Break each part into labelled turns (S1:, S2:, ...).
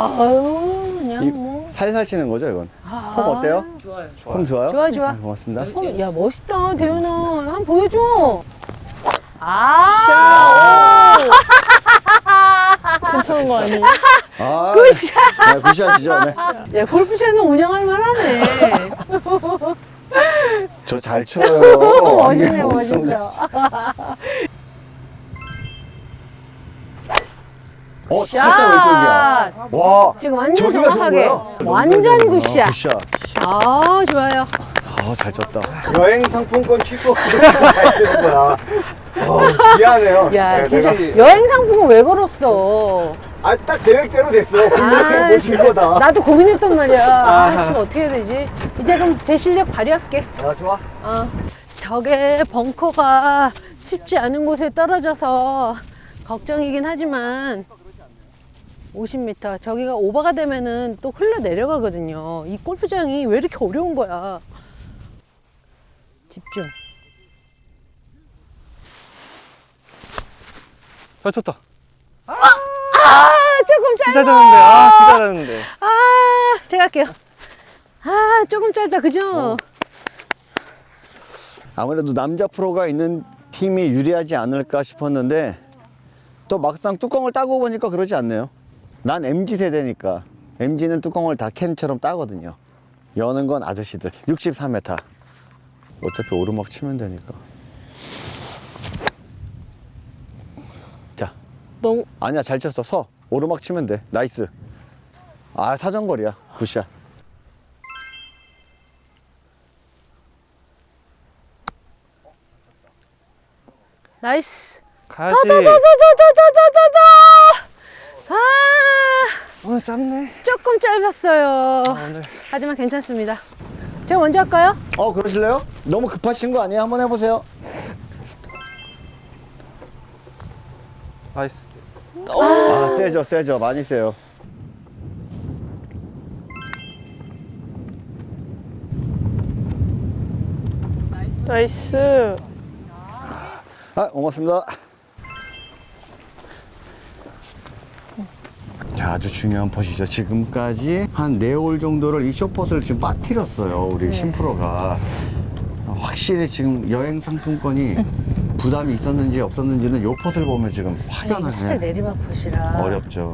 S1: 아유, 그냥 뭐.
S2: 살살 치는 거죠, 이건? 폼 어때요?
S3: 좋아요.
S2: 폼 좋아요?
S1: 좋아, 좋아.
S2: 네, 고맙습니다.
S1: 야, 멋있다, 대현아. 한번 보여줘. 아!
S3: 괜찮은 거 아니에요?
S2: 아,
S1: 굿샷!
S2: 네, 굿샷이죠. 네.
S1: 야, 골프채는 운영할 만하네.
S2: 저 잘 쳐요.
S1: 멋있네,
S2: 아니,
S1: 멋있어.
S2: 살짝 왼쪽이야. 와,
S1: 지금 완전
S2: 저기가 좋은
S1: 정확하게.
S2: 거야?
S1: 완전 굿샷.
S2: 굿샷.
S1: 아, 좋아요.
S2: 아, 잘 쳤다. 여행 상품권 취소 잘 치는 거야. 미안해요.
S1: 야,
S2: 네,
S1: 진짜
S2: 내가-
S1: 여행 상품은 왜 걸었어?
S2: 아, 딱 계획대로 됐어.
S1: 아,
S2: 분명히 못칠
S1: 진짜.
S2: 거다.
S1: 나도 고민했단 말이야. 아, 씨, 어떻게 해야 되지? 이제 그럼 제 실력 발휘할게.
S2: 아, 좋아.
S1: 저게 벙커가 쉽지 않은 곳에 떨어져서 걱정이긴 하지만 50m 저기가 오버가 되면은 또 흘러 내려가거든요. 이 골프장이 왜 이렇게 어려운 거야? 집중.
S3: 잘 쳤다.
S1: 조금 짧아.
S3: 기다렸는데.
S1: 제가 할게요. 조금 짧다, 그죠?
S2: 아무래도 남자 프로가 있는 팀이 유리하지 않을까 싶었는데 또 막상 뚜껑을 따고 보니까 그러지 않네요. 난 MZ 세대니까 MZ는 뚜껑을 다 캔처럼 따거든요. 여는 건 아저씨들. 64m. 어차피 오르막 치면 되니까. 자,
S3: 너무
S2: 아니야, 잘 쳤어. 서. 오르막 치면 돼. 나이스. 아, 사정거리야. 굿샷.
S1: 나이스.
S3: 가야지. 오늘 짧네.
S1: 조금 짧았어요.
S3: 오늘
S1: 하지만 괜찮습니다. 제가 먼저 할까요?
S2: 그러실래요? 너무 급하신 거 아니에요? 한번 해보세요.
S3: 나이스.
S2: 아, 세죠, 세죠. 많이 세요.
S3: 나이스.
S2: 고맙습니다. 자, 아주 중요한 퍼시죠. 지금까지 한 4홀 정도를 이 쇼퍼스를 지금 빠뜨렸어요. 우리 심프로가. 확실히 지금 여행 상품권이 부담이 있었는지 없었는지는 요 퍼스를 보면 지금
S1: 살짝
S2: 확연하게
S1: 내리막 푸시라.
S2: 어렵죠.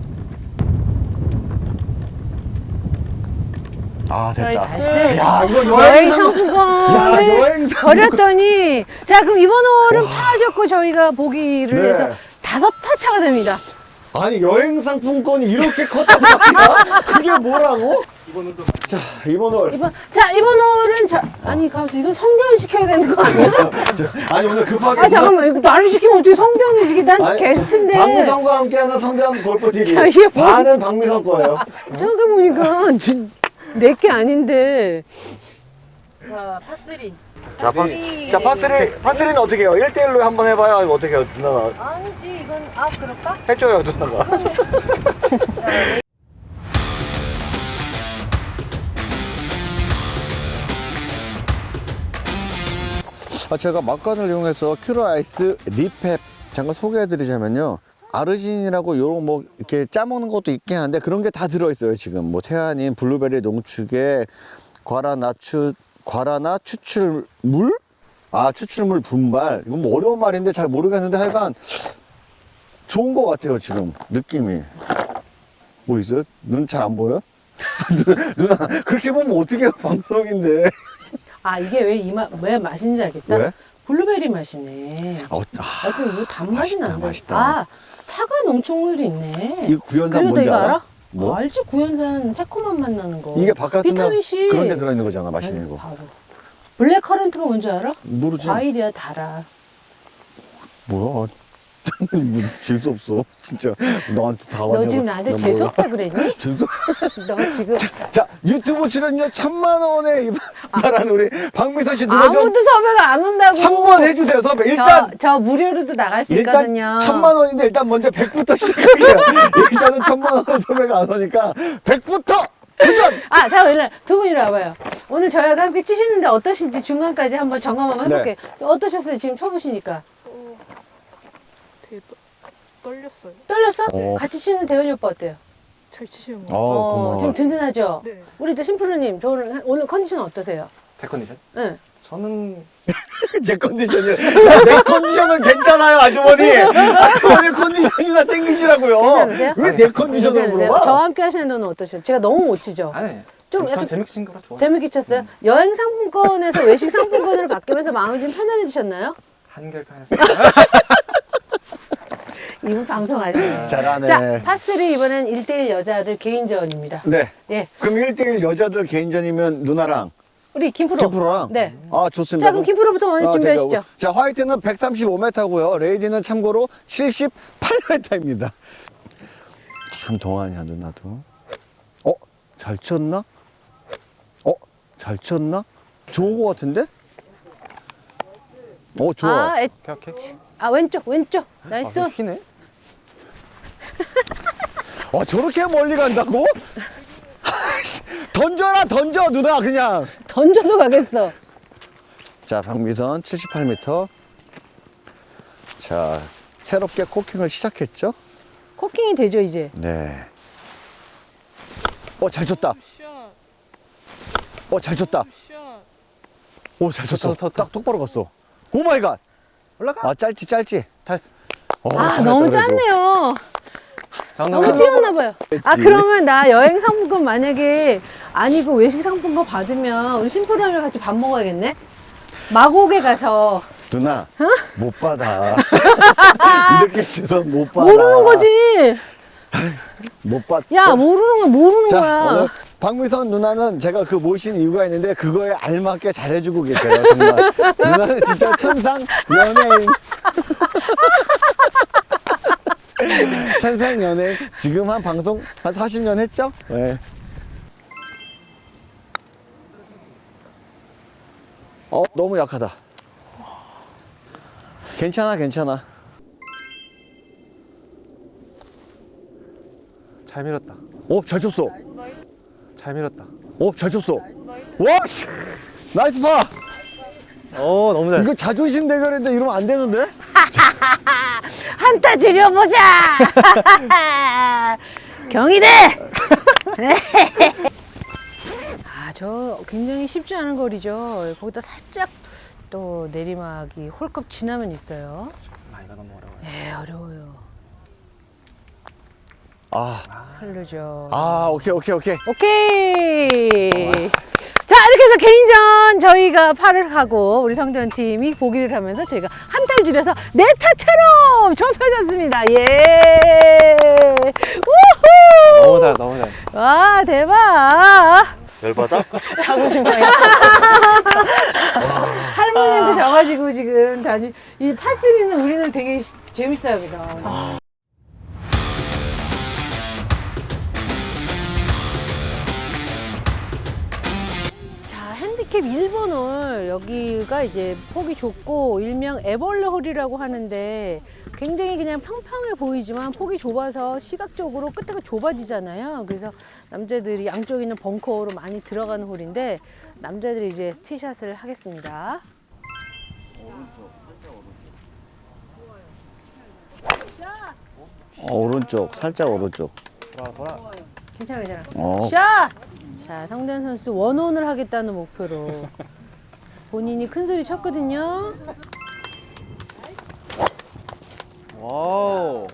S2: 아, 됐다.
S1: 나이스.
S2: 야, 이거
S1: 여행
S2: 여행 상품.
S1: 상품권을
S2: 야, 여행 상품권.
S1: 버렸더니 자, 그럼 이번 홀은 파하셨고 저희가 보기를
S2: 네.
S1: 해서 5타 차가 됩니다.
S2: 아니, 여행 상품권이 이렇게 컸단 말이야? 그게 뭐라고? 자, 이번 홀.
S1: 이번 홀은 아니 가서 이거 성대현 시켜야 되는 거 아니야?
S2: 아니, 오늘 급하게.
S1: 잠깐만, 이거 말을 시키면 어떻게 성대현이 시키? 난
S2: 아니,
S1: 게스트인데.
S2: 박미성과 함께하는 성대한 골프 TV.
S1: 자, 이게 뭐-
S2: 반은 박미성 거예요.
S1: 생각해보니까 내게 아닌데.
S4: 자, 파3.
S2: 자, 파스리는 어떻게 해요? 1대1로 한번 해봐요? 아니면 어떻게 해요? 누나가
S1: 아니지, 이건 그럴까?
S2: 해줘요, 누나가. 제가 막간을 이용해서 큐러 아이스 리펩 잠깐 소개해드리자면요. 아르지닌이라고 요런 뭐 이렇게 짜먹는 것도 있긴 한데 그런 게 다 들어있어요. 지금 뭐 태아닌, 블루베리 농축에 과라나 추출물? 추출물 분발. 이건 뭐 어려운 말인데 잘 모르겠는데 하여간 좋은 것 같아요. 지금 느낌이. 뭐 있어요? 눈 잘 안 보여? 누나 그렇게 보면 어떻게 해요? 방송인데.
S1: 이게 왜 맛있는지 알겠다?
S2: 왜?
S1: 블루베리 맛이네. 어떤 뭐 단맛이
S2: 맛있다,
S1: 난다.
S2: 맛있다.
S1: 사과 농축물도 있네.
S2: 이거 구연산
S1: 그리고 너
S2: 뭔지
S1: 이거
S2: 알아?
S1: 알아?
S2: 뭐?
S1: 알지, 구연산 새콤한 맛 나는 거.
S2: 이게 바깥으면
S1: 비타민 C.
S2: 그런 데 들어있는 거잖아. 맛있는 거.
S1: 바로. 블랙 커런트가 뭔지 알아?
S2: 모르지.
S1: 과일이야, 달아.
S2: 뭐야? 재수 없어. 진짜 너한테 다
S1: 너
S2: 왔냐고.
S1: 지금 나한테
S2: 나
S1: 재수없다 그랬니?
S2: 재수.
S1: 너 지금
S2: 자, 유튜브 출연료 1,000만 원에 말한 우리 박미선 씨 누가 좀
S1: 아무도 섭외가 안 온다고.
S2: 한 번 해주세요. 섭외. 일단
S1: 저 무료로도 나갈 수
S2: 일단
S1: 있거든요.
S2: 1,000만 원인데 일단 먼저 100부터 시작할게요. 일단은 1,000만 원 섭외가 안 오니까 100부터 도전.
S1: 자, 두 분이 와봐요. 오늘 저희가 함께 치시는데 어떠신지 중간까지 한번 점검 한번 해볼게요. 어떠셨어요? 지금 쳐보시니까.
S3: 되게 떨렸어요.
S1: 떨렸어?
S2: 어.
S1: 같이 치는 대현이 오빠 어때요?
S5: 잘 치시는 거.
S2: 고마워.
S1: 지금 든든하죠?
S5: 네.
S1: 우리 또 심프로님, 오늘 컨디션 어떠세요?
S3: 제 컨디션?
S1: 네.
S3: 저는
S2: 제 컨디션이 내 컨디션은 괜찮아요, 아주머니. 아주머니 컨디션이나 챙기시라고요.
S1: 괜찮으세요?
S2: 왜 내 컨디션을
S1: 괜찮으세요?
S2: 물어봐?
S1: 저와 함께 하시는 분은 어떠세요? 제가 너무 못 치죠?
S3: 아니
S1: 좀
S3: 전
S1: 약간
S3: 재밌게 친 거라 좋아.
S1: 재밌게 쳤어요? 여행 상품권에서 외식 상품권으로 바뀌면서 마음이 좀 편안해지셨나요?
S3: 한결편했어요.
S1: 이분 방송하시네요.
S2: 잘하네.
S1: 자, 파3 이번엔 1대1 여자들 개인전입니다.
S2: 네.
S1: 예.
S2: 그럼 1대1 여자들 개인전이면 누나랑
S1: 우리 김프로.
S2: 김프로랑?
S1: 네.
S2: 아, 좋습니다.
S1: 자, 그럼 김프로부터 먼저 준비하시죠.
S2: 자, 화이트는 135m고요. 레이디는 참고로 78m입니다. 참 동안이야, 누나도. 잘 쳤나? 잘 쳤나? 좋은 거 같은데? 좋아.
S3: 오케이.
S1: 왼쪽. 나이스.
S3: 아, 휘네.
S2: 저렇게 멀리 간다고? 던져라, 던져, 누나, 그냥.
S1: 던져도 가겠어.
S2: 자, 박미선 78m. 자, 새롭게 코킹을 시작했죠?
S1: 코킹이 되죠, 이제.
S2: 네. 잘 쳤다. 잘 쳤다. 잘 쳤어.
S3: 좋다.
S2: 딱 똑바로 갔어. 오 마이 갓.
S3: 올라가.
S2: 짧지.
S3: 잘했어.
S2: 잘했다,
S1: 너무
S2: 그래도.
S1: 짧네요. 너무
S3: 장난.
S1: 뛰었나봐요.
S2: 했지.
S1: 그러면 나 여행 상품권 만약에 아니고 외식 상품권 받으면 우리 심플함이랑 같이 밥 먹어야겠네? 마곡에 가서.
S2: 누나, 못 받아. 이렇게 쳐서 못 받아.
S1: 모르는 거지.
S2: 못 받.
S1: 야, 모르는 건 모르는
S2: 자,
S1: 거야.
S2: 오늘 박미선 누나는 제가 그 모신 이유가 있는데 그거에 알맞게 잘해주고 계세요. 정말. 누나는 진짜 천상 연예인. 천상 연예인. 지금 한 방송 한 40년 했죠? 네. 너무 약하다. 괜찮아.
S3: 잘 밀었다.
S2: 잘 쳤어.
S3: 잘 밀었다.
S2: 잘 쳤어. 와, 씨. 나이스 파.
S3: 너무 잘.
S2: 이거 자존심 대결인데 이러면 안 되는데?
S1: 한타 줄여보자! 경희대! 저 굉장히 쉽지 않은 거리죠. 거기다 살짝 또 내리막이 홀컵 지나면 있어요.
S3: 이거 너무 어려워요.
S1: 네, 어려워요. 흐르죠.
S2: 오케이.
S1: 오케이! 자, 이렇게 해서 개인전 저희가 팔을 하고 우리 성대현 팀이 보기를 하면서 저희가 한타를 줄여서 네 타처럼 좁혀졌습니다. 예! 우후!
S3: 너무 잘.
S1: 와, 대박!
S2: 열받아?
S5: 자존심 상했어.
S1: 할머니한테 져가지고 지금 이 파3는 우리는 되게 재밌어요, 그죠? 자, 핸디캡 1번 홀, 여기가 이제 폭이 좁고 일명 애벌레 홀이라고 하는데 굉장히 그냥 평평해 보이지만 폭이 좁아서 시각적으로 끝에가 좁아지잖아요. 그래서 남자들이 양쪽에 있는 벙커로 많이 들어가는 홀인데 남자들이 이제 티샷을 하겠습니다.
S2: 오른쪽, 살짝 오른쪽.
S3: 돌아.
S1: 괜찮아.
S2: 어.
S1: 샷! 자, 성대현 선수 원온을 하겠다는 목표로 본인이 큰 소리 쳤거든요.
S3: 와우.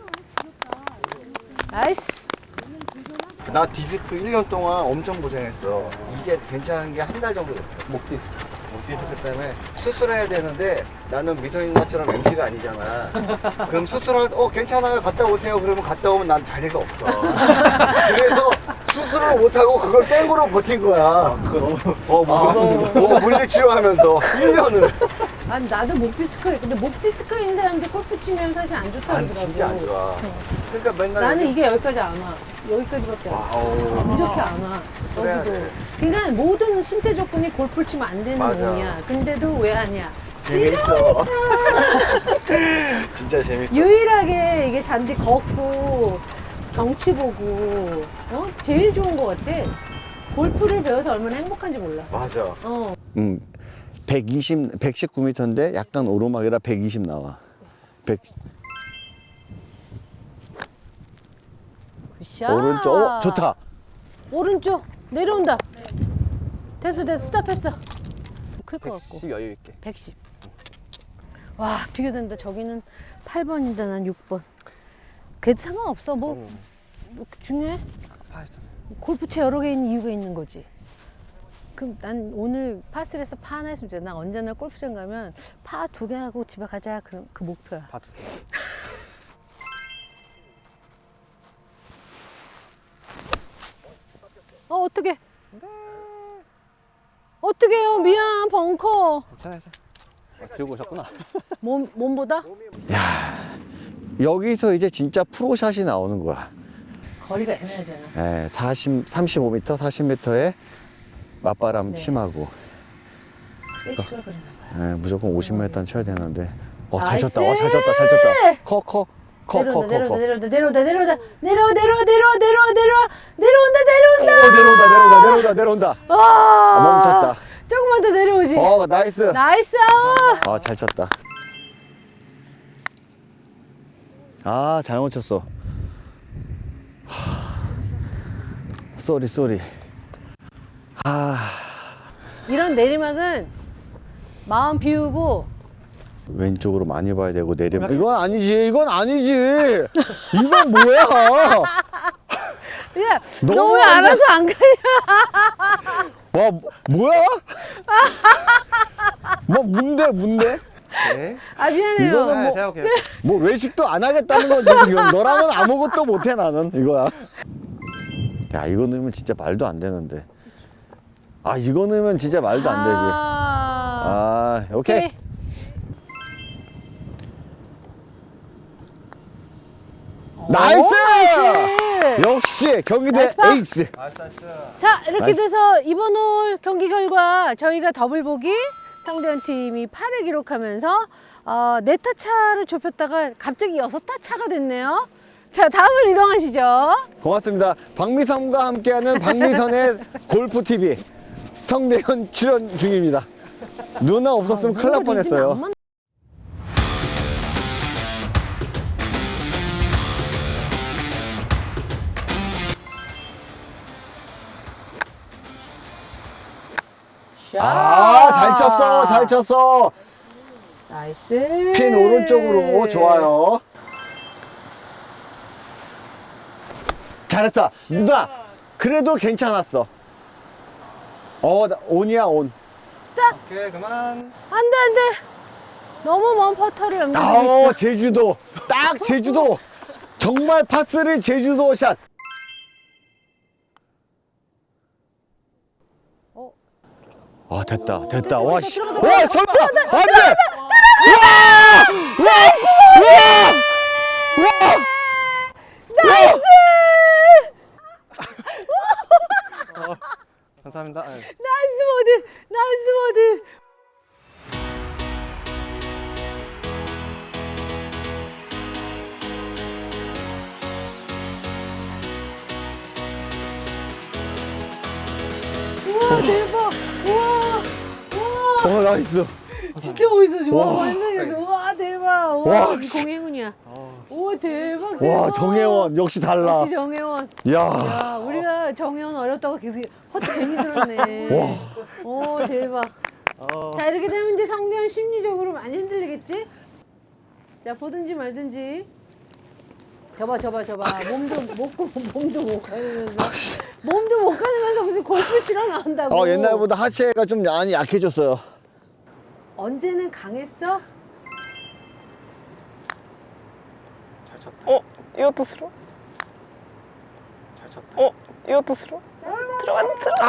S1: 나이스!
S2: 나 디스크 1년 동안 엄청 고생했어. 이제 괜찮은 게 한 달 정도 됐어. 목 디스크 때문에 수술해야 되는데 나는 미소인 누나처럼 MC가 아니잖아. 그럼 괜찮아요. 갔다 오세요. 그러면 갔다 오면 난 자리가 없어. 그래서 수술을 못하고 그걸 생으로 버틴 거야. 물리치료하면서 1년을.
S1: 아니, 나도 목 디스크, 근데 목 디스크 있는 사람들 골프 치면 사실 안 좋다고 하더라고.
S2: 진짜 안 좋아. 그러니까 맨날
S1: 나는 이게 여기까지 안 와. 여기까지밖에 안 와. 이렇게 안 와.
S2: 그래야
S1: 여기도.
S2: 돼.
S1: 그러니까 모든 신체 조건이 골프를 치면 안 되는
S2: 맞아.
S1: 몸이야. 근데 왜 하냐?
S2: 재밌어. 진짜 재밌어.
S1: 유일하게 이게 잔디 걷고 경치 보고 제일 좋은 것 같아. 골프를 배워서 얼마나 행복한지 몰라.
S2: 맞아. 119m인데 약간 오르막이라 120 나와. 100.
S1: 굿샷. 굿샷.
S2: 오른쪽. 좋다.
S1: 오른쪽 내려온다. 됐어 스탑했어. 클 것 같고.
S3: 110 여유 있게.
S1: 110. 와 비교된다. 저기는 8번인데 난 6번. 그래도 상관없어. 뭐 중요해?
S3: 파했잖아요.
S1: 골프채 여러 개 있는 이유가 있는 거지. 그럼 난 오늘 파3에서 파 하나 했으면 좋겠다. 난 언제나 골프장 가면 파 2개 하고 집에 가자. 그 목표야.
S3: 파 2개.
S1: 어떡해. 어떡해요. 미안 벙커.
S3: 괜찮아. 들고 오셨구나.
S1: 몸보다?
S2: 여기서 이제 진짜 프로샷이 나오는 거야.
S1: 거리가 애매하잖아.
S2: 예, 35m, 40m에 맞바람
S1: 네.
S2: 심하고.
S1: 일찍 그랬나 봐요.
S2: 예, 무조건 50m는 쳐야 되는데. 잘
S1: 나이스!
S2: 쳤다. 잘 쳤다. 커. 내려온다. 멈췄다.
S1: 조금만 더 내려오지.
S2: 나이스.
S1: 나이스.
S2: 잘 쳤다. 잘못 쳤어. 쏘리.
S1: 이런 내리막은 마음 비우고
S2: 왼쪽으로 많이 봐야 되고 내리막. 이건 아니지. 이건 뭐야?
S1: 야,
S2: 너무
S1: 너 왜
S2: 완전-
S1: 알아서 안 가냐?
S2: 와, 뭐야? 뭔데?
S3: 네.
S1: 아 미안해요.
S2: 이거는 뭐-
S3: 제가 할게요.
S2: 뭐 외식도 안 하겠다는 거지 지금. 너랑은 아무것도 못해 나는 이거야. 야, 이거 넣으면 진짜 말도 안 되는데. 이거 넣으면 진짜 말도 안 되지. 오케이. 나이스!
S1: 나이스!
S2: 역시 경기대
S1: 나이스 파!
S2: 에이스.
S3: 나이스.
S1: 자 이렇게
S2: 나이스.
S1: 돼서 이번 홀 경기 결과 저희가 더블 보기, 상대한 팀이 8을 기록하면서 4타 차를 좁혔다가 갑자기 6타 차가 됐네요. 자 다음을 이동하시죠.
S2: 고맙습니다. 박미선과 함께하는 박미선의 골프 TV 성대현 출연 중입니다. 누나 없었으면 큰일 날 뻔했어요. 잘 쳤어.
S1: 나이스.
S2: 핀 오른쪽으로 좋아요. 잘했다. 누나, 그래도 괜찮았어. 온이야, 온.
S1: 스탑.
S3: 오케이, 그만.
S1: 안돼. 너무 먼 퍼터를 연결했어.
S2: 제주도. 딱 제주도. 정말 파3 제주도 샷. 됐다. 와, 씨. 와, 설마! 안 돼!
S1: 나이스.
S3: 감사합니다.
S1: 나이스 모드. 우와 대박. 우와.
S2: 나이스.
S1: 진짜 멋있어.
S2: 와.
S1: 완전 멋있어. 와 대박.
S2: 와,
S1: 와
S2: 씨.
S1: 공행운이야. 우와 대박.
S2: 와, 정혜원. 역시 달라.
S1: 역시 정혜원.
S2: 야.
S1: 야 우리가 정혜원 어렵다고 계속 허투 괜히 들었네.
S2: 와.
S1: 오 대박. 자 이렇게 되면 이제 성대현 심리적으로 많이 흔들리겠지? 자 보든지 말든지. 저봐. 몸도 못 가면서 무슨 골프 치러 나온다고.
S2: 옛날보다 하체가 좀 많이 약해졌어요.
S1: 언제는 강했어?
S3: 잘 쳤다.
S5: 이것도 스로?
S3: 잘 쳤다.
S5: 이것도 스로? 들어가.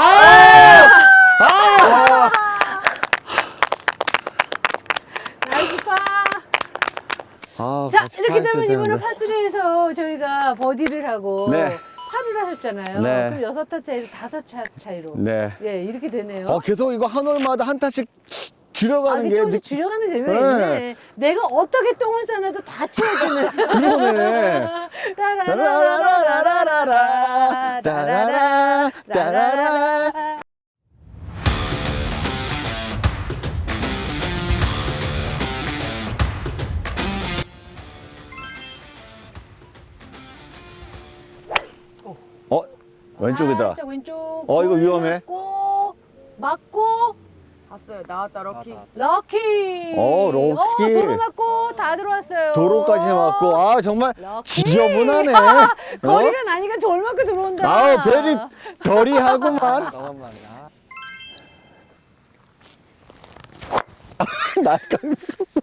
S1: 나이스 파. 자
S2: 같이
S1: 이렇게
S2: 파했어야
S1: 되면 이번에
S2: 되는데.
S1: 파3에서 저희가 버디를 하고
S2: 네.
S1: 파를 하셨잖아요.
S2: 네.
S1: 그럼 6타 차에서 5타 차이로.
S2: 네.
S1: 예 이렇게 되네요.
S2: 계속 이거 한 홀마다 한 타씩 줄여가는
S1: 이게
S2: 게
S1: 조금씩 줄여가는 재미가
S2: 네.
S1: 있네. 내가 어떻게 똥을 싸놔도 다 치워주는.
S2: 그러네. 따라라라라라라 따라라 따라라. 왼쪽이다.
S1: 살짝 왼쪽.
S2: 이거 위험해.
S1: 맞고
S4: 봤어요. 나왔다 럭키.
S1: 럭키.
S2: 럭키.
S1: 도로 맞고 다 들어왔어요.
S2: 도로까지 맞고, 아, 정말
S1: 럭키.
S2: 지저분하네.
S1: 거리가 나니까 돌 맞고 들어온다.
S2: 아우, 벨이 덜이하구만.
S3: 너무만.
S2: 날강 썼어.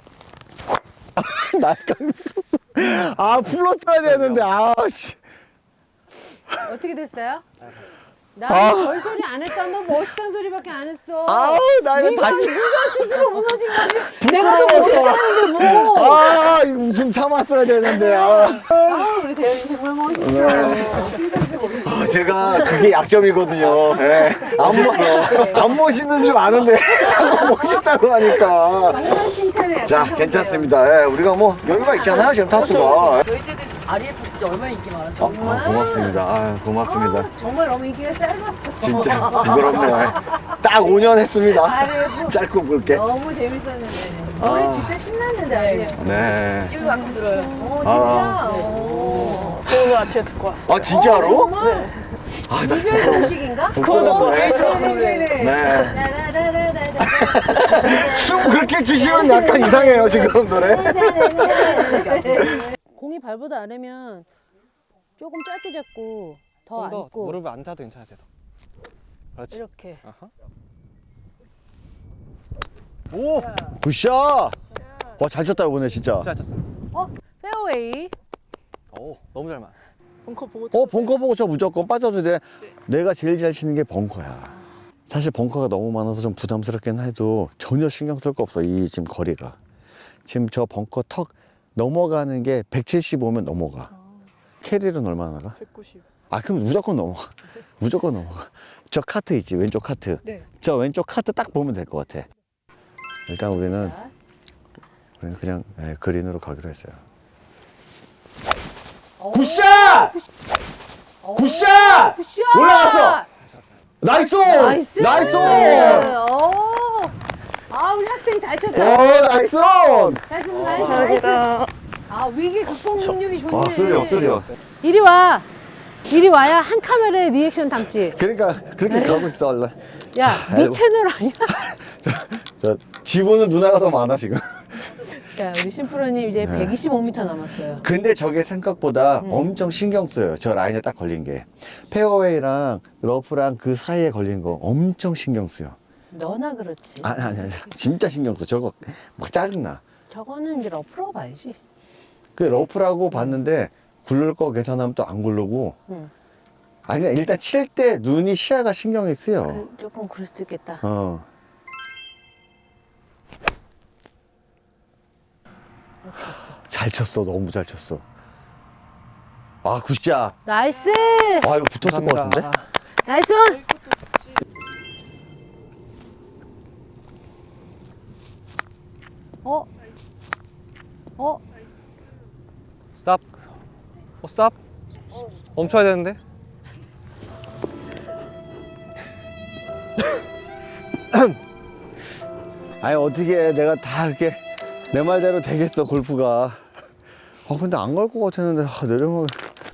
S2: 날강 썼어. 아, 풀었어야 되는데, 씨.
S1: 어떻게 됐어요? 나
S2: 아.
S1: 별소리 안 했다. 너 멋있다는 소리밖에 안 했어.
S2: 아우, 나 이거 다시.
S1: 네가 스스로 무너진 거지. 내가 더
S2: 부끄러워서.
S1: 멋있다는데 뭐.
S2: 아, 이거 웃음 참았어야 되는데, 아.
S1: 우리 대현이 정말 멋있어.
S2: 제가 그게 약점이거든요. 예. 안 멋있는 줄 아는데 자꾸 멋있다고 하니까.
S1: 정말 칭찬해.
S2: 자, 괜찮습니다. 예, 우리가 뭐 여유가 있잖아요, 지금 타수가.
S4: 저희 때도 RF 진짜 얼마나 인기 많았죠.
S2: 고맙습니다. 아, 고맙습니다.
S1: 정말 너무 인기가 짧았어.
S2: 진짜 부끄럽네요. 예. 딱 5년 했습니다.
S1: 아래
S2: 짧고 굵게.
S1: 너무 재밌었는데. 노래 진짜 신났는데 아니에요?
S2: 네.
S4: 지금 가끔 들어요.
S1: 진짜. 오.
S5: 저 오늘 아침에 듣고 왔어요.
S2: 아, 진짜로?
S1: 정말?
S2: 아, 나
S1: 이별 공식인가?
S2: 부끄럽네.
S1: 네네네.
S2: 네.
S1: 라라라라라라.
S2: 춤 그렇게 주시면 약간 이상해요, 지금 노래.
S1: 공이 발보다 아래면 조금 짧게 잡고 더
S3: 좀 더
S1: 안고
S3: 무릎을 앉아도 괜찮으세요. 그렇지.
S1: 이렇게.
S3: 아하. 오!
S2: 굿샷! 와, 잘 쳤다, 이번에 진짜.
S3: 잘 쳤어요.
S1: 페어웨이.
S3: 오, 너무 잘 맞았어.
S5: 벙커 보고
S2: 벙커 보고 저 무조건 빠져도 돼. 내가 제일 잘 치는 게 벙커야. 사실 벙커가 너무 많아서 좀 부담스럽긴 해도 전혀 신경 쓸 거 없어, 이 지금 거리가. 지금 저 벙커 턱 넘어가는 게 175면 넘어가. 캐리는 얼마나 나가?
S5: 190.
S2: 아, 그럼 무조건 넘어가. 무조건 넘어가. 저 카트 있지, 왼쪽 카트.
S5: 네.
S2: 저 왼쪽 카트 딱 보면 될 것 같아. 일단 우리는 그냥 그린으로 가기로 했어요. 굿샷! 굿샷!
S1: 굿샷!
S2: 올라갔어! 나이스!
S1: 나이스!
S2: 나이스!
S1: 우리 학생 잘
S2: 오,
S1: 쳤다.
S2: 나이스!
S1: 나이스, 나이스.
S5: 감사합니다.
S1: 위기 극복 능력이 좋네.
S2: 와, 쓰려.
S1: 이리 와. 이리 와야 한 카메라에 리액션 담지.
S2: 그러니까 그렇게 가고 있어, 원래.
S1: 야, 네
S2: 아이고.
S1: 채널 아니야?
S2: 저 지분은 누나가 더 많아, 지금.
S1: 야, 우리 심프로님 이제 125m 남았어요.
S2: 근데 저게 생각보다 엄청 신경 써요. 저 라인에 딱 걸린 게. 페어웨이랑 러프랑 그 사이에 걸린 거 엄청 신경 써요.
S1: 너나 그렇지.
S2: 아니. 진짜 신경 써. 저거 막 짜증나.
S1: 저거는 이제 러프라고 봐야지.
S2: 그 러프라고 봤는데 굴릴 거 계산하면 또 안 굴르고.
S1: 응.
S2: 아니, 일단 칠 때 눈이 시야가 신경이 쓰여.
S1: 조금 그럴 수도 있겠다.
S2: 잘 쳤어. 너무 잘 쳤어. 아, 굿샷.
S1: 나이스!
S2: 아, 이거 붙었을 것 같은데?
S1: 나이스!
S3: 스탑. 스탑. 멈춰야 되는데.
S2: 아니, 어떻게 내가 다 이렇게 내 말대로 되겠어, 골프가. 근데 안 갈 것 같았는데, 내려면.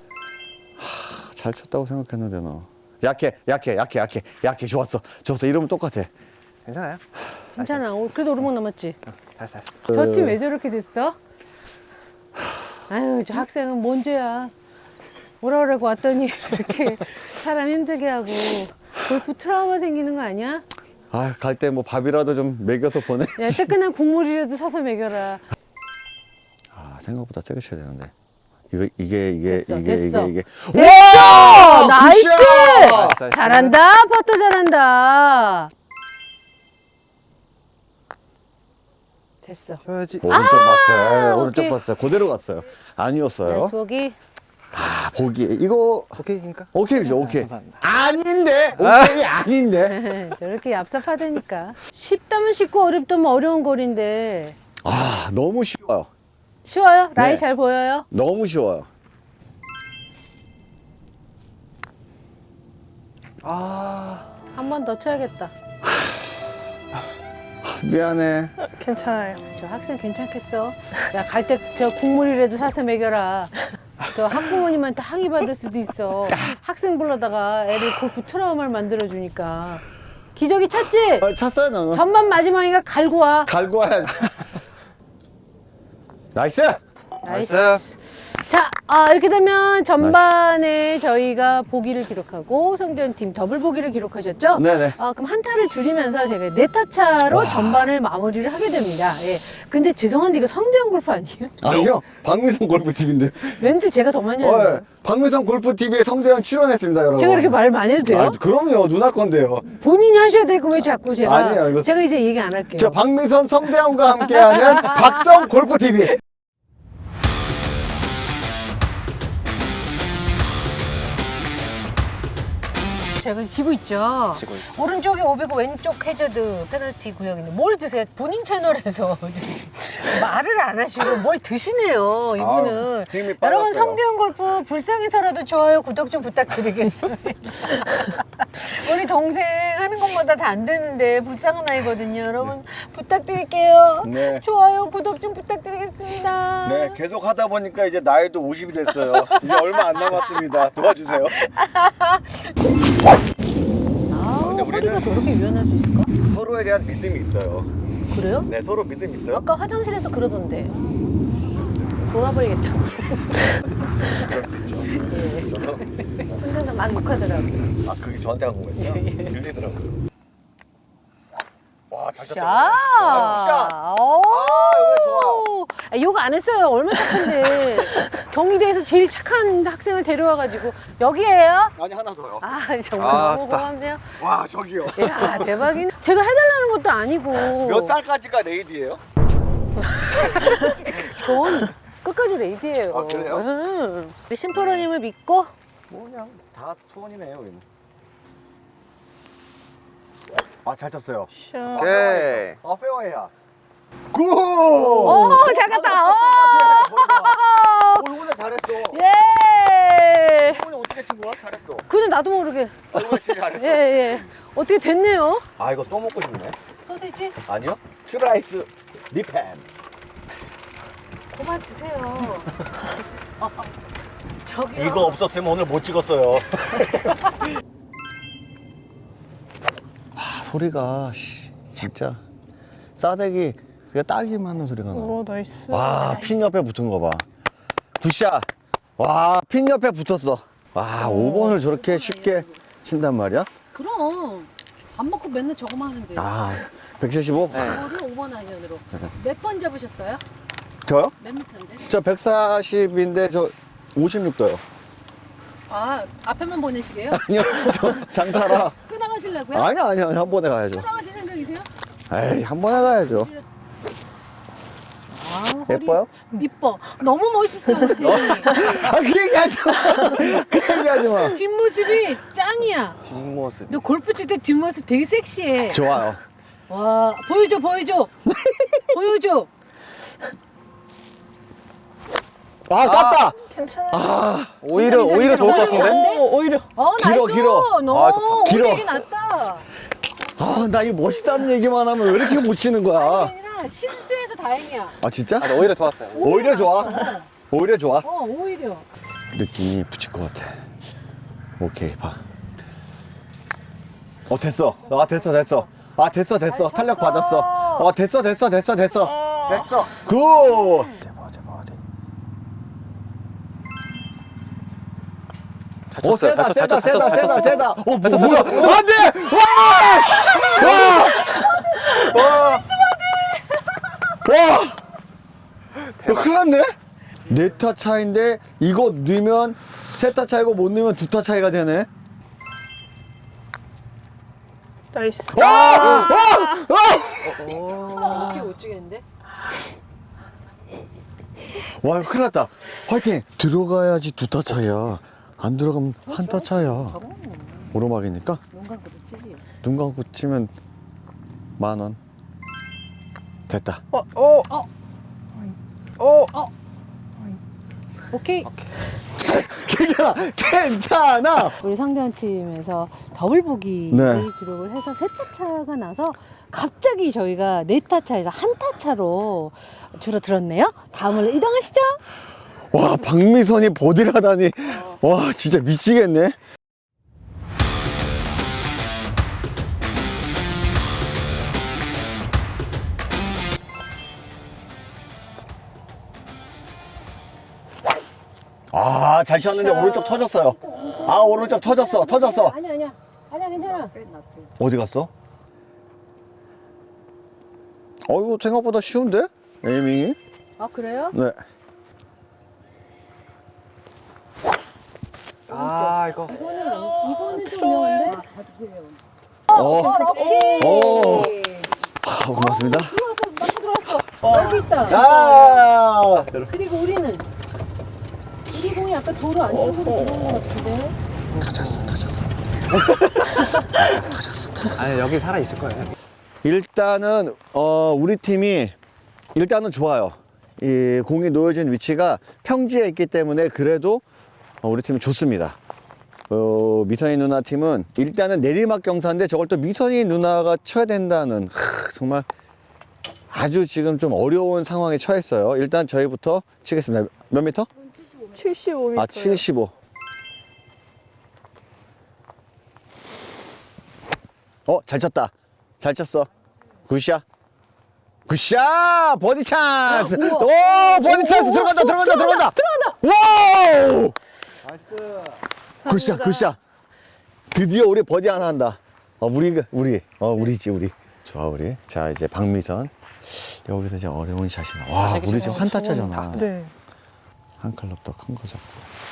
S2: 잘 쳤다고 생각했는데, 너. 약해. 좋았어. 이러면 똑같아.
S3: 괜찮아요?
S1: 괜찮아. 그래도 오르막 남았지?
S3: 잘했어.
S1: 저 팀 왜 저렇게 됐어? 아유, 저 학생은 뭔 죄야. 오라 그러고 왔더니 이렇게 사람 힘들게 하고 골프 트라우마 생기는 거 아니야?
S2: 갈 때 뭐 밥이라도 좀 먹여서 보내.
S1: 야, 뜨끈한 국물이라도 사서 먹여라.
S2: 생각보다 세게 쳐야 되는데. 이게.
S1: 됐어.
S2: 와!
S1: 나이스!
S3: 나이스.
S1: 잘한다. 퍼터 잘한다. 됐어.
S3: 해야지.
S2: 오른쪽 봤어요. 오른쪽
S1: 오케이.
S2: 봤어요. 그대로 갔어요. 아니었어요.
S1: 나이스 보기.
S2: 보기. 이거
S3: 오케이니까.
S2: 오케이죠. 오케이.
S3: 감사합니다.
S2: 아닌데. 오케이 아닌데.
S1: 저렇게 얍삽하다니까. 쉽다면 쉽고 어렵다면 어려운 거리인데.
S2: 너무 쉬워요.
S1: 쉬워요? 라인
S2: 네.
S1: 잘 보여요?
S2: 너무 쉬워요.
S1: 한 번 더 쳐야겠다.
S2: 미안해.
S5: 괜찮아요.
S1: 저 학생 괜찮겠어? 야, 갈 때 저 국물이라도 사서 먹여라. 저 학부모님한테 항의 받을 수도 있어. 학생 불러다가 애들 골프 트라우마를 만들어주니까. 기저귀 찼지?
S2: 찼어요, 너는.
S1: 전반 마지막이가 갈고 와.
S2: 갈고 와야지. 나이스!
S1: 나이스. 자, 이렇게 되면 전반에 저희가 보기를 기록하고 성대현 팀 더블 보기를 기록하셨죠?
S2: 네네.
S1: 그럼 한 타를 줄이면서 제가 네 타 차로 전반을 마무리를 하게 됩니다. 예. 근데 죄송한데 이거 성대현 골프 아니에요?
S2: 아니요, 박미선 골프TV인데.
S1: 왠지 제가 더 많이 하는
S2: 박미선 골프TV에 성대현 출연했습니다, 여러분.
S1: 제가 이렇게 말 많이 해도 돼요?
S2: 그럼요, 누나 건데요.
S1: 본인이 하셔야 되고 왜 자꾸 제가
S2: 아니에요, 이거-
S1: 제가 이제 얘기 안 할게요.
S2: 저 박미선, 성대현과 함께하는 박성 골프TV.
S1: 제가 지고 있죠.
S3: 지고 있죠.
S1: 오른쪽에 500, 왼쪽 해저드 페널티 구역인데 뭘 드세요? 본인 채널에서 말을 안 하시고 뭘 드시네요, 이분은.
S2: 힘이
S1: 여러분
S2: 빠졌어요.
S1: 성대현 골프 불쌍해서라도 좋아요, 구독 좀 부탁드리겠습니다. 우리 동생 하는 것마다 다 안 되는데 불쌍한 아이거든요. 여러분 부탁드릴게요.
S2: 네.
S1: 좋아요, 구독 좀 부탁드리겠습니다.
S2: 네, 계속 하다 보니까 이제 나이도 50이 됐어요. 이제 얼마 안 남았습니다. 도와주세요. 근데 우리는-
S1: 허리가 저렇게 유연할 수 있을까?
S2: 서로에 대한 믿음이 있어요.
S1: 그래요?
S2: 네, 서로 믿음 있어요.
S1: 아까 화장실에서 그러던데. 돌아버리겠다고. 혼자서 막 욕하더라고요.
S2: 아, 그게 저한테 한 거였죠? 들리더라고요. 와, 잘
S1: 샷!
S2: 쳤다. 샷!
S1: 오!
S2: 이거 좋아요.
S1: 욕 안 했어요. 얼마나 착한데. 경희대에서 제일 착한 학생을 데려와가지고. 여기에요?
S2: 아니, 하나 더요.
S1: 아, 정말
S3: 아,
S1: 너무
S3: 좋다.
S1: 고맙네요.
S2: 와, 저기요.
S1: 야, 대박이네. 제가 해달라는 것도 아니고.
S2: 몇 달까지가 레이디예요?
S1: 전 끝까지 레이디예요.
S2: 아, 그래요?
S1: 우리 심프로님을 믿고.
S2: 뭐 그냥 다 투원이네요, 여기는. 아, 잘 쳤어요.
S3: 오케이.
S2: 아, 페어웨이야. 굿!
S1: 오, 잘 갔다. 오!
S2: 이번에 잘했어.
S1: 예!
S2: 이번에 어떻게 친 거야? 잘했어.
S1: 근데 나도 모르게.
S2: 이번에 진짜 잘했어.
S1: 예, 예. 어떻게 됐네요?
S2: 아, 이거 또 먹고 싶네.
S1: 소세지?
S2: 아니요? 슈라이스 리펜.
S1: 그만 드세요. 저기요.
S2: 이거 없었으면 오늘 못 찍었어요. 소리가 진짜 싸대기 딱이 맞는 소리가 나.
S5: 오, 나이스.
S2: 와, 핀 옆에 붙은 거 봐. 굿샷. 와, 핀 옆에 붙었어. 와, 5번을 저렇게 쉽게 친단 말이야?
S1: 그럼 밥 먹고 맨날 저거만 하는데.
S2: 아, 175?
S1: 저를 5번 아이언으로. 몇 번 잡으셨어요?
S2: 저요?
S1: 몇 미터인데?
S2: 저 140인데 저 56도요.
S1: 아, 앞에만 보내시게요?
S2: 아니요, 저 장타라.
S1: 끊어가시려고요?
S2: 아니요, 한 번에 가야죠.
S1: 끊어가실 생각이세요?
S2: 에이, 한 번에 가야죠.
S1: 아, 허리
S2: 예뻐요?
S1: 이뻐. 너무 멋있어. 우리.
S2: 아, 그 얘기 하지 마. 그 얘기 하지 마.
S1: 뒷모습이 짱이야.
S3: 뒷모습.
S1: 너 골프 칠 때 뒷모습 되게 섹시해.
S2: 좋아요.
S1: 와, 보여줘, 보여줘. 보여줘.
S2: 아, 깠다.
S5: 괜찮아.
S3: 오히려 좋을 것 같은데?
S5: 오, 오히려.
S2: 길어,
S1: 나이스.
S2: 길어.
S1: 너
S3: 아, 좋다.
S2: 길어.
S1: 오히려 낫다.
S2: 아, 나 이거 멋있다는 얘기만 하면 왜 이렇게 못 치는
S1: 아니,
S2: 거야?
S1: 아니라 실수해서 다행이야.
S2: 아, 진짜?
S3: 아, 오히려 좋았어요.
S2: 오히려 좋아. 오히려 좋아.
S1: 오히려.
S2: 느낌이 붙일 것 같아. 오케이, 봐. 됐어. 아, 됐어. 아, 됐어. 탄력 받았어. 됐어. 됐어. 굿.
S3: 잘 쳤어요.
S2: 세다. 뭐야? 안 돼! 와! 이거 큰일 났네? 4타 차인데, 이거 넣으면 3타 차이고 못 넣으면 2타 차이가 되네?
S5: 나이스.
S1: 이렇게 못 주겠는데?
S2: 와, 이거 큰일 났다. 화이팅! 들어가야지 2타 차이야. 안 들어가면 1타 차이야. 오르막이니까?
S1: 눈 감고도 치지.
S2: 눈 감고 치면 10,000원. 됐다.
S1: 오케이.
S2: 괜찮아!
S1: 우리 상대원 팀에서 더블 보기를
S2: 네.
S1: 기록을 해서 3타 차가 나서 갑자기 저희가 4타 차에서 1타 차로 줄어들었네요. 다음으로 이동하시죠.
S2: 와, 박미선이 버디를 하다니. 와, 진짜 미치겠네. 아, 잘 쳤는데 오른쪽 터졌어요. 아, 오른쪽 터졌어.
S1: 아니야 괜찮아.
S2: 어디 갔어? 이거 생각보다 쉬운데? 에이밍이?
S1: 아 그래요?
S2: 네.
S3: 아, 이거.
S1: 이거는 좀 어려운데?
S2: 고맙습니다.
S1: 들어왔어. 여기 있다.
S2: 아!
S1: 그리고 우리는 우리 공이 아까 도로 안쪽으로 들어온 것 같은데.
S2: 터졌어.
S3: 아니, 여기 살아있을 거예요.
S2: 일단은 우리 팀이 일단은 좋아요. 이 공이 놓여진 위치가 평지에 있기 때문에 그래도 우리 팀이 좋습니다. 미선이 누나 팀은 일단은 내리막 경사인데 저걸 또 미선이 누나가 쳐야 된다는 정말 아주 지금 좀 어려운 상황에 처했어요. 일단 저희부터 치겠습니다. 몇 미터?
S5: 75m.
S2: 아, 75. 잘 쳤다. 잘 쳤어. 굿샷. 굿샷! 버디 찬스! 오, 버디 찬스! 들어간다! 와우! 굿샷. 드디어 우리 버디 하나 한다. 우리지. 좋아, 우리. 자, 이제 박미선. 여기서 이제 어려운 샷이 나. 와, 우리 지금 한타 차잖아.
S5: 네.
S2: 한 클럽 더 큰 거 잡고.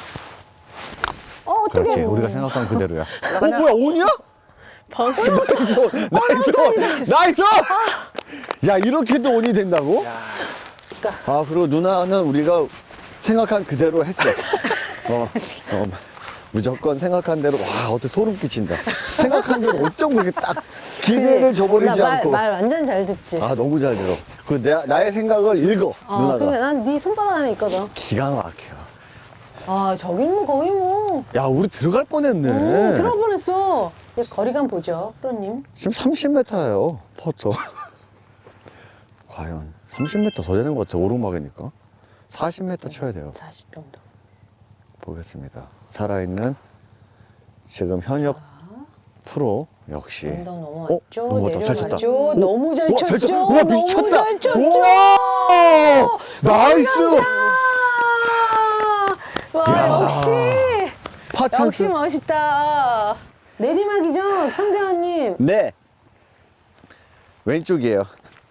S2: 그렇지. 우리가 생각한 그대로야. 뭐야, 온이야?
S5: 바운스.
S2: 나이스! 야, 이렇게도 온이 된다고? 그리고 누나는 우리가 생각한 그대로 했어. 무조건 생각한 대로. 와, 어떻게 소름 끼친다. 생각한 대로 어쩜 그렇게 딱 기대를 저버리지 않고.
S1: 말 완전 잘 듣지.
S2: 너무 잘 들어. 나의 생각을 읽어, 누나가.
S1: 그러니까 난 네 손바닥 안에 있거든.
S2: 기가 막혀.
S1: 저긴 뭐 거의 뭐.
S2: 야, 우리 들어갈 뻔했네.
S1: 들어가 뻔했어. 이제 거리감 보죠, 프로님.
S2: 지금 30m예요, 퍼터. 과연 30m 더 되는 것 같아, 오르막이니까. 40m 쳐야 돼요.
S1: 40 정도.
S2: 보겠습니다. 살아있는 지금 현역 프로 역시.
S1: 언덕 넘어왔죠.
S2: 넘어갔다. 잘 쳤다.
S1: 내려가죠. 너무 잘 쳤죠.
S2: 잘 쳤다. 우와, 미쳤다.
S1: 너무 잘 쳤죠.
S2: 우와, 나이스.
S1: 와, 역시.
S2: 파 찬스.
S1: 역시 멋있다. 내리막이죠, 성대환님.
S2: 네. 왼쪽이에요.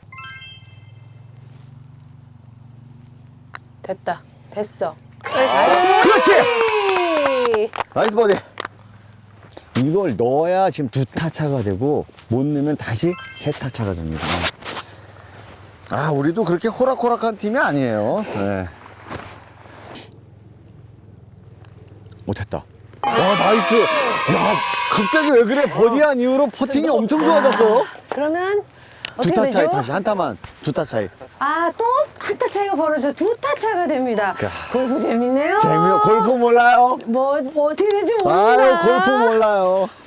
S1: 됐어.
S2: 그렇지. 나이스 버디. 이걸 넣어야 지금 2타 차가 되고 못 넣으면 다시 3타 차가 됩니다. 우리도 그렇게 호락호락한 팀이 아니에요. 네. 됐다. 나이스. 야, 갑자기 왜 그래? 버디한 이후로 퍼팅이 엄청 좋아졌어.
S1: 그러면 어떻게
S2: 2타
S1: 되죠?
S2: 차이 다시 한타만 2타 차이.
S1: 또 한 타 차이가 벌어져 2타 차가 됩니다. 골프 재밌네요.
S2: 골프 몰라요?
S1: 뭐 어떻게 될지 모릅니다.
S2: 골프 몰라요.